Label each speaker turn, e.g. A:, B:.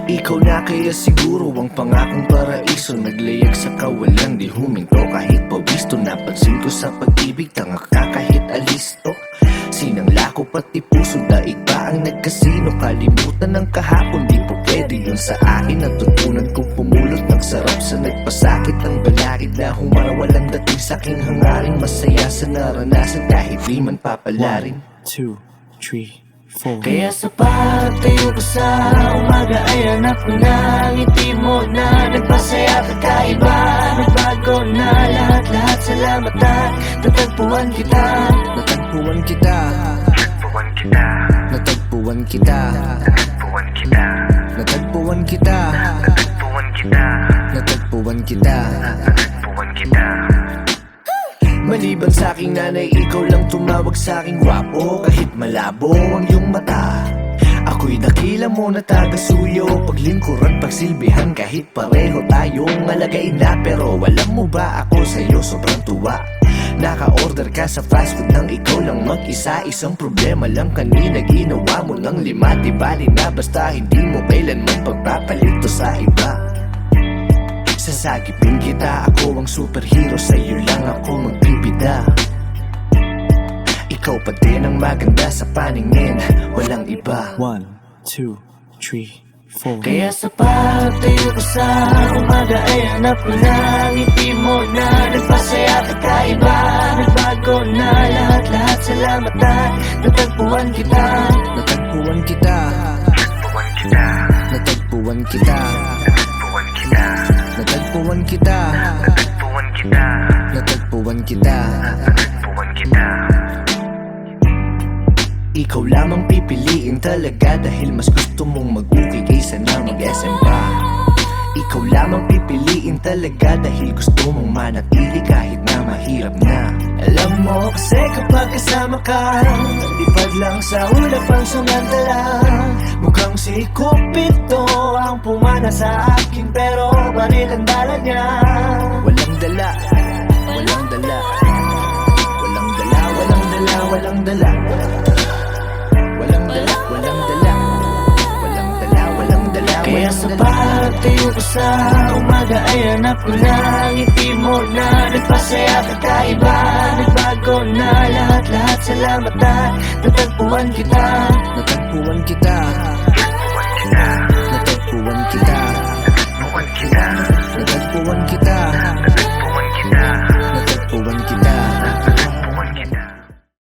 A: Ikaw na kaya siguro ang pangakong paraiso. Naglayag sa kawalan, di huminto kahit pawisto. Napansin ko sa pag-ibig, tanga ka kahit alisto. Sinangla ko pati puso, daig ba ang nagkasino? Kalimutan ng kahapon, di po pwede yun sa akin. Natutunan kong pumulot ng sarap sa nagpasakit. Ang balakid na humarawalang dating sa'king hangarin. Masaya sa naranasan kahit di man papalarin.
B: 1, 2, 3, 4.
A: Kaya sa pagtayo ko sa umaga ay hanap ko na ang ngiti mo na nagpasaya kakaiba. Nagbago na lahat-lahat, salamat at natagpuan kita. Natagpuan kita.
C: Natagpuan kita.
A: Natagpuan kita.
C: Natagpuan kita.
A: Natagpuan kita.
C: Natagpuan kita.
A: Natagpuan kita.
C: Natagpuan kita.
A: Maliban sa aking nanay, ikaw lang tumawag sa aking gwapo. Kahit malabo ang iyong mata, ako'y dakila mo na taga-suyo. Paglingkuran, pagsilbihan, kahit pareho tayong alagay na. Pero alam mo ba, ako sa'yo sobrang tuwa. Naka-order ka sa fast food nang ikaw lang mag-isa. Isang problema lang kanina, ginawa mo ng 5. Di bali na basta hindi mo kailanman pagpapalito sa iba. Sasagipin kita, ako ang superhero, sa'yo lang ako magbibida. Ikaw pa din ang maganda sa paningin, walang iba.
B: 1, 2, 3, 4.
A: Kaya sa pagtayo ko sa umaga ay hanap ko na ang ngiti mo na nagpasaya kakaiba. Nagbago na lahat-lahat, salamat at natagpuan kita. Natagpuan kita.
C: Natagpuan kita.
A: Natagpuan kita.
C: Natagpuan kita.
A: Natagpuan kita.
C: Natagpuan kita.
A: Natagpuan kita.
C: Natagpuan kita.
A: Ikaw lamang pipiliin talaga dahil mas gusto mong mag-uwi kaysa na mag-SM pa. Ikaw lamang pipiliin talaga dahil gusto mong manatili kahit na mahirap na. Alam mo kasi kapag kasama ka, lipad lang sa ulap ang sumandala. Mukhang si Cupido ang pumana sa akin, pero baril ang dala niya. Walang dala, walang dala. Walang dala, walang dala, walang dala. Walang dala, walang dala. Walang dala, walang dala. Kaya sa pagtayo ko sa umaga ay hanap ko na ang ngiti mo na nagpasaya kakaiba. Nagbago na lahat-lahat, salamat at natagpuan kita. Natagpuan kita.
C: Natagpuan kita.
A: Natagpuan kita.
C: Natagpuan kita.
A: Natagpuan kita.